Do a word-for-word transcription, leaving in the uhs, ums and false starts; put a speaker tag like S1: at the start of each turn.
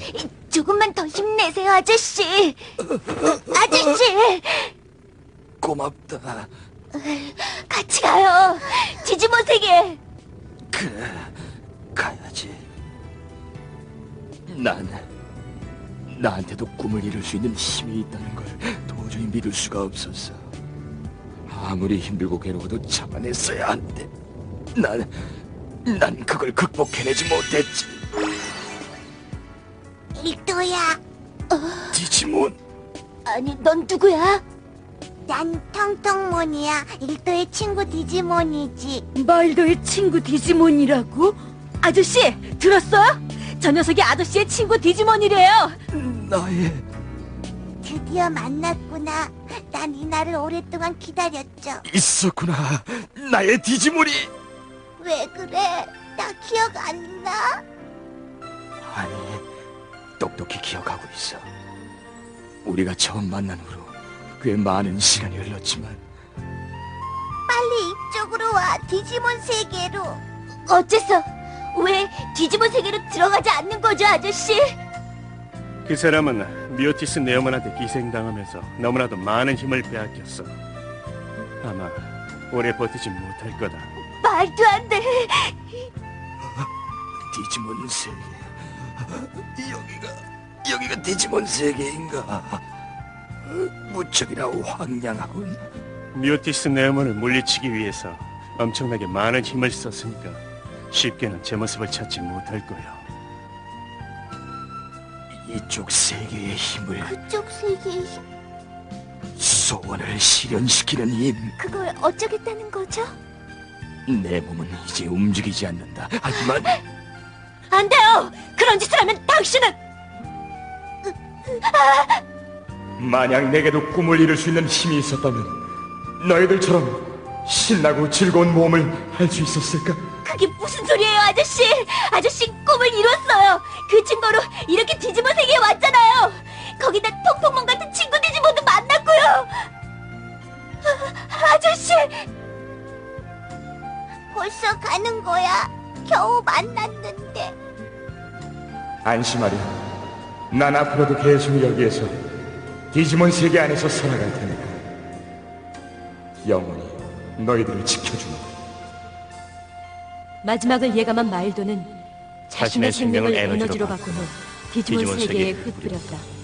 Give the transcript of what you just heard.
S1: 조금만 더 힘내세요, 아저씨. 아저씨!
S2: 고맙다.
S1: 같이 가요. 디지몬 세계.
S2: 그래, 가야지. 난 나한테도 꿈을 이룰 수 있는 힘이 있다는 걸 도저히 믿을 수가 없었어. 아무리 힘들고 괴로워도 참아냈어야 하는데 난, 난 그걸 극복해내지 못했지.
S3: 일도야,
S2: 디지몬,
S1: 아니, 넌 누구야?
S3: 난 텅텅몬이야. 일도의 친구 디지몬이지.
S1: 말도의 친구 디지몬이라고? 아저씨, 들었어요? 저 녀석이 아저씨의 친구 디지몬이래요.
S2: 나의
S3: 드디어 만났구나. 난 이 날을 오랫동안 기다렸죠.
S2: 있었구나. 나의 디지몬이.
S3: 왜 그래? 나 기억 안 나?
S2: 아니, 똑똑히 기억하고 있어. 우리가 처음 만난 후로 꽤 많은 시간이 흘렀지만
S3: 빨리 이쪽으로 와. 디지몬 세계로.
S1: 어째서? 왜 디지몬 세계로 들어가지 않는 거죠, 아저씨?
S4: 그 사람은 미오티스 네오먼한테 기생당하면서 너무나도 많은 힘을 빼앗겼어. 아마 오래 버티지 못할 거다.
S1: 말도 안 돼.
S2: 디지몬 세계. 여기가 여기가 디지몬 세계인가? 무척이나 황량하군.
S4: 미오티스 네오먼을 물리치기 위해서 엄청나게 많은 힘을 썼으니까 쉽게는 제 모습을 찾지 못할 거야.
S2: 이쪽 세계의 힘을,
S3: 그쪽 세계의 힘.
S2: 소원을 실현시키는 힘.
S1: 그걸 어쩌겠다는 거죠?
S2: 내 몸은 이제 움직이지 않는다. 하지만
S1: 안 돼요. 그런 짓을 하면 당신은
S2: 만약 내게도 꿈을 이룰 수 있는 힘이 있었다면 너희들처럼 신나고 즐거운 모험을 할 수 있었을까?
S1: 그게 무슨 소리예요, 아저씨? 아저씨 꿈을 이뤘어요. 그 증거로 이렇게 디지몬 세계에 왔잖아요. 거기다 통통몬 같은 친구 디지몬도 만났고요. 아, 아저씨!
S3: 벌써 가는 거야. 겨우 만났는데.
S2: 안심하렴. 난 앞으로도 계속 여기에서 디지몬 세계 안에서 살아갈 테니까 영원히 너희들을 지켜주마.
S1: 마지막을 예감한 말도는 자신의
S4: 자신의
S1: 생명을
S4: 생명을
S1: 에너지로
S4: 에너지로
S1: 바꾼 후 디지몬
S4: 디지몬
S1: 세계에
S4: 세계에
S1: 흩뿌렸다.